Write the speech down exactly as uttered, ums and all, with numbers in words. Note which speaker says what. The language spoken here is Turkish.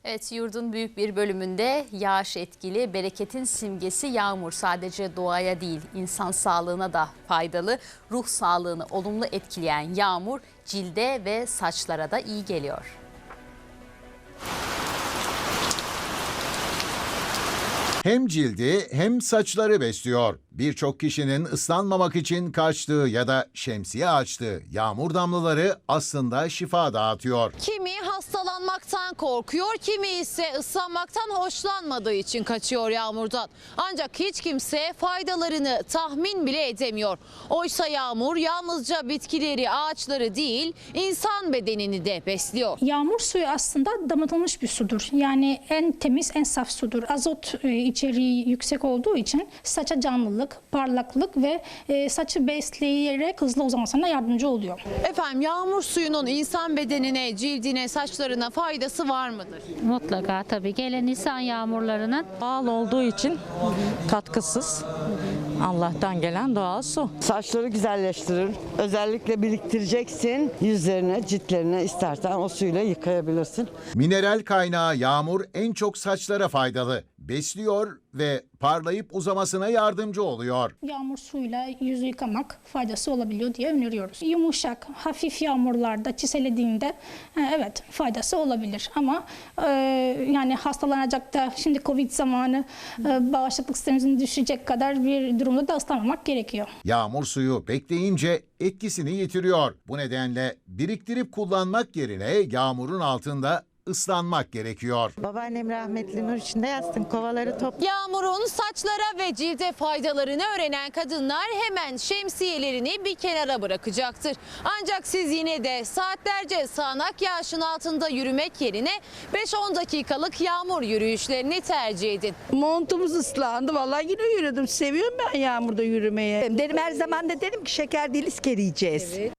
Speaker 1: Evet, yurdun büyük bir bölümünde yağış etkili. Bereketin simgesi yağmur sadece doğaya değil, insan sağlığına da faydalı. Ruh sağlığını olumlu etkileyen yağmur cilde ve saçlara da iyi geliyor.
Speaker 2: Hem cildi hem saçları besliyor. Birçok kişinin ıslanmamak için kaçtığı ya da şemsiye açtığı yağmur damlaları aslında şifa dağıtıyor.
Speaker 3: Kimi hastalanmaktan korkuyor, kimi ise ıslanmaktan hoşlanmadığı için kaçıyor yağmurdan. Ancak hiç kimse faydalarını tahmin bile edemiyor. Oysa yağmur yalnızca bitkileri, ağaçları değil, insan bedenini de besliyor.
Speaker 4: Yağmur suyu aslında damıtılmış bir sudur. Yani en temiz, en saf sudur. Azot e, içeriği yüksek olduğu için saça canlılık, parlaklık ve e, saçı besleyerek hızlı uzamasına yardımcı oluyor.
Speaker 3: Efendim, yağmur suyunun insan bedenine, cildine, saçlarına faydası var mıdır?
Speaker 5: Mutlaka tabii. Gelen insan yağmurlarının
Speaker 6: Doğal olduğu için katkısız. Allah'tan gelen doğal su.
Speaker 7: Saçları güzelleştirir. Özellikle biriktireceksin. Yüzlerine, ciltlerine istersen o suyla yıkayabilirsin.
Speaker 2: Mineral kaynağı yağmur en çok saçlara faydalı. Besliyor ve parlayıp uzamasına yardımcı oluyor.
Speaker 4: Yağmur suyuyla yüzü yıkamak faydası olabiliyor diye öneriyoruz. Yumuşak, hafif yağmurlarda çiselediğinde e, evet faydası olabilir. Ama e, yani hastalanacak da şimdi Covid zamanı e, bağışıklık sistemimizin düşecek kadar bir durumda da ıslanmamak gerekiyor.
Speaker 2: Yağmur suyu bekleyince etkisini yitiriyor. Bu nedenle biriktirip kullanmak yerine yağmurun altında ıslanmak gerekiyor.
Speaker 6: Babaannem rahmetli nur içinde yatsın, kovaları top.
Speaker 3: Yağmurun saçlara ve cilde faydalarını öğrenen kadınlar hemen şemsiyelerini bir kenara bırakacaktır. Ancak siz yine de saatlerce sağanak yağışın altında yürümek yerine beş on dakikalık yağmur yürüyüşlerini tercih edin.
Speaker 8: Montumuz ıslandı. Vallahi yine yürüdüm. Seviyorum ben yağmurda yürümeyi. Dedim her zaman da dedim ki şeker değil isker yiyeceğiz.